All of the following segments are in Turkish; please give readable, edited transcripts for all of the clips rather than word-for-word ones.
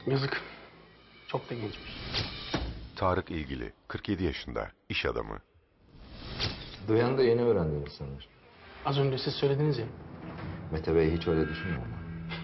Yazık. Çok da gençmiş. Tarık İlgili, 47 yaşında, iş adamı. Duyan da yeni öğrendiniz sanırım. Az önce siz söylediniz ya. Mete Bey hiç öyle düşünmüyor mu?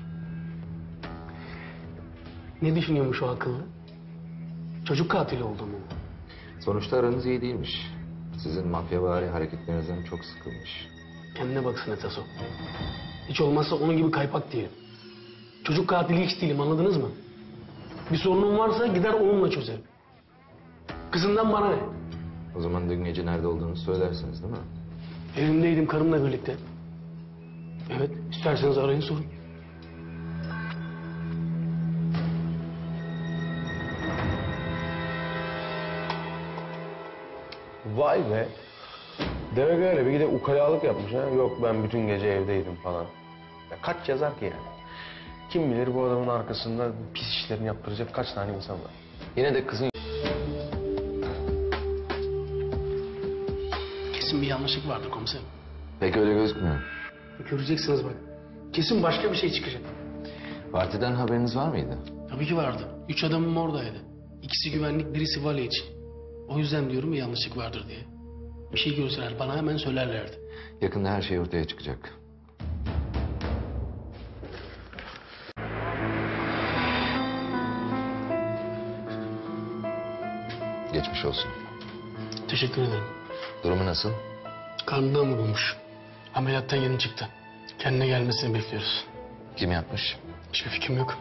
Ne düşünüyormuş o akıllı? Çocuk katili olduğumu. Sonuçta aranız iyi değilmiş. Sizin mafyavari hareketlerinizden çok sıkılmış. Kendine baksın esas o. Hiç olmazsa onun gibi kaypak diyelim. Çocuk katili hiç değilim, anladınız mı? Bir sorunum varsa gider onunla çözerim. Kızından bana ne? O zaman dün gece nerede olduğunu söylersiniz değil mi? Evimdeydim karımla birlikte. Evet, isterseniz arayın sorun. Vay be. Demek öyle. Bir de ukalalık yapmış ha. Yok ben bütün gece evdeydim falan. Ya kaç yazar ki yani? Kim bilir bu adamın arkasında pis işlerini yaptıracak kaç tane insan var. Yine de kızın... Kesin bir yanlışlık vardır komiserim. Pek öyle gözükmüyor. Göreceksiniz bak. Kesin başka bir şey çıkacak. Partiden haberiniz var mıydı? Tabii ki vardı. 3 adamım oradaydı. İkisi güvenlik, birisi vali için. O yüzden diyorum bir yanlışlık vardır diye. Bir şey görseler bana hemen söylerlerdi. Yakında her şey ortaya çıkacak. Geçmiş olsun. Teşekkür ederim. Durumu nasıl? Karnından vurulmuş. Ameliyattan yeni çıktı. Kendine gelmesini bekliyoruz. Kim yapmış? Hiçbir fikrim yok.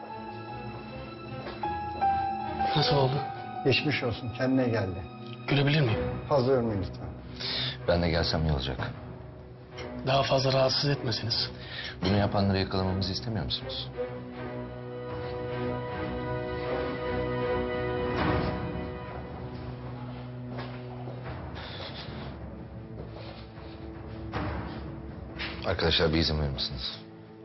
Nasıl oldu? Geçmiş olsun, kendine geldi. Görebilir miyim? Fazla yormayın lütfen. Ben de gelsem iyi olacak. Daha fazla rahatsız etmesiniz. Bunu yapanları yakalamamızı istemiyor musunuz? Arkadaşlar bir izin verir misiniz?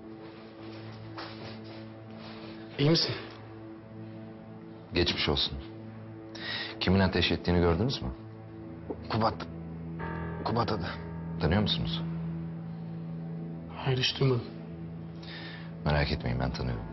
İyi misin? Geçmiş olsun. Kimin ateş ettiğini gördünüz mü? Kubat. Kubat adı. Tanıyor musunuz? Hayır, hiç duymadım. Merak etmeyin, ben tanıyorum.